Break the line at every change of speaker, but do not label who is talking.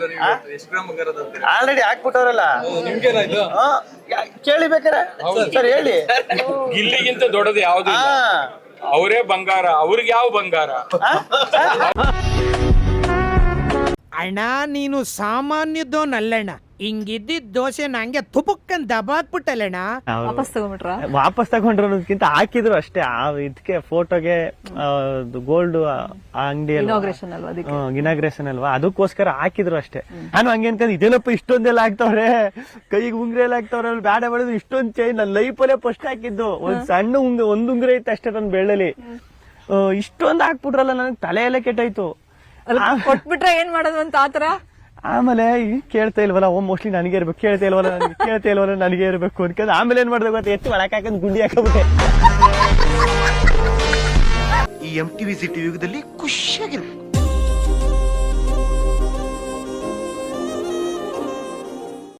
Already ಹಾಕ್ಬಿಟ್ಟವ್ರಲ್ಲ, ಕೇಳಿ ಬೇಕಾರೆ sir ಹೇಳಿ.
ಗಿಲ್ಲಿಗಿಂತ ದೊಡ್ಡದು ಯಾವ್ದು? ಅವರೇ ಬಂಗಾರ, ಅವ್ರಿಗೆ ಯಾವ ಬಂಗಾರ?
ಅಣ್ಣ ನೀನು ಸಾಮಾನ್ಯದೋನಲ್ಲಣ್ಣ, ಹಿಂಗಿದ್ದಿದ್ ದೋಸೆ ನಂಗೆ ತುಪುಕ್ಕನ್ ದಬಾಕ್ಬಿಟ್ಟಲ್ಲಣ್ಣ.
ವಾಪಸ್ ತಗೊಂಡ್ರು ಅನ್ನೋದಕ್ಕಿಂತ ಹಾಕಿದ್ರು ಅಷ್ಟೇ. ಇದಕ್ಕೆ ಫೋಟೋಗೆ ಗೋಲ್ಡ್ ಅಂಗಡಿ ಇನಾಗ್ರೇಷನ್ ಅಲ್ವಾ, ಅದಕ್ಕೋಸ್ಕರ ಹಾಕಿದ್ರು ಅಷ್ಟೇ. ನಾನು ಹಂಗೆ ಅನ್ಕೊಂಡ್ ಇದೇನಪ್ಪ ಇಷ್ಟೊಂದೆಲ್ಲ ಆಗ್ತಾವ್ರೆ, ಕೈಗೆ ಉಂಗ್ರೆ ಎಲ್ಲ ಆಗ್ತಾವ್ರೆ, ಬ್ಯಾಡ ಮಾಡಿದ್ರು ಇಷ್ಟೊಂದ್ ಚೈನ್ ನನ್ನ ಲೈಫಲ್ಲೇ ಫಸ್ಟ್ ಹಾಕಿದ್ದು. ಒಂದ್ ಸಣ್ಣ ಒಂದ್ ಉಂಗ್ರೆ ಇತ್ತು ಅಷ್ಟೇ ನನ್ನ ಬೆಳ್ಳಲ್ಲಿ, ಇಷ್ಟೊಂದ್ ಹಾಕ್ಬಿಟ್ರಲ್ಲ, ನನಗೆ ತಲೆ ಎಲ್ಲ ಕೆಟ್ಟಾಯ್ತು.
ಕೊಟ್ಬಿಟ್ರೆ ಏನ್ ಮಾಡೋದು ಅಂತ ಆತರ.
ಆಮೇಲೆ ಕೇಳ್ತಾ ಇಲ್ವಲ್ಲ, ಮೋಸ್ಟ್ಲಿ ನನಗೆ ಇರ್ಬೇಕು, ಕೇಳ್ತಾ ಇಲ್ವಲ್ಲ ನನಗೆ ಇರ್ಬೇಕು ಅನ್ಕೊಂಡು ಆಮೇಲೆ ಏನ್ ಮಾಡ್ದೆ ಗೊತ್ತಾ, ಎತ್ತಿ ಒಳಕ್ ಹಾಕಂದ್ ಗುಂಡಿ ಹಾಕಬಿಟ್ಟೆ.
ಈ MTV ಸಿಟಿ ಯುಗದಲ್ಲಿ ಖುಷಿಯಾಗಿರ್ಬೇಕು.